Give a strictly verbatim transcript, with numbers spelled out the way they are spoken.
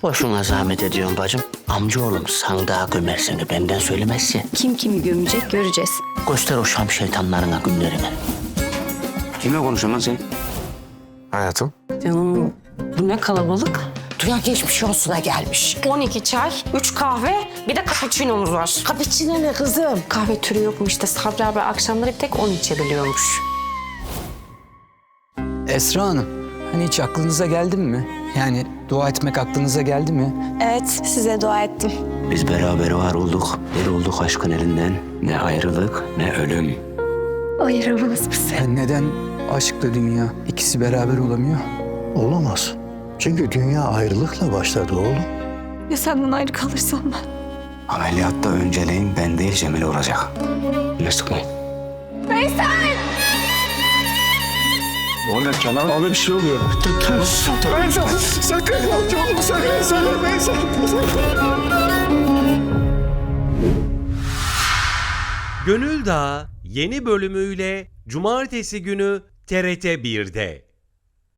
Boşuna zahmet ediyorsun bacım. Amcaoğlum sandığa gömer seni, benden söylemezsin. Kim kimi gömecek göreceğiz. Göster o Şam şeytanlarına günlerini. Kimle konuşuyorsun lan sen? Hayatım. Canım bu ne kalabalık. Duyan geçmiş olsuna gelmiş. on iki çay, üç kahve, bir de cappuccino'muz var. Kapıçine ne kızım? Kahve türü yok mu işte? Sabri abi akşamları bir tek on içebiliyormuş. Esra Hanım, hani hiç aklınıza geldi mi? Yani dua etmek aklınıza geldi mi? Evet, size dua ettim. Biz beraber var olduk. Bir olduk aşkın elinden. Ne ayrılık ne ölüm. Ayıramaz bizi. Yani neden aşkla dünya ikisi beraber olamıyor? Olamaz. Çünkü dünya ayrılıkla başladı oğlum. Ya senden ayrı kalırsam ben? Ameliyatta önceliğin ben değil Cemile olacak. Ne sıkmayın. Muhammed Kenan abi bir şey oluyor. Veysel sakın amcaoğlum sakın sakın Veysel. Gönül Dağı yeni bölümüyle Cumartesi günü T R T bir'de.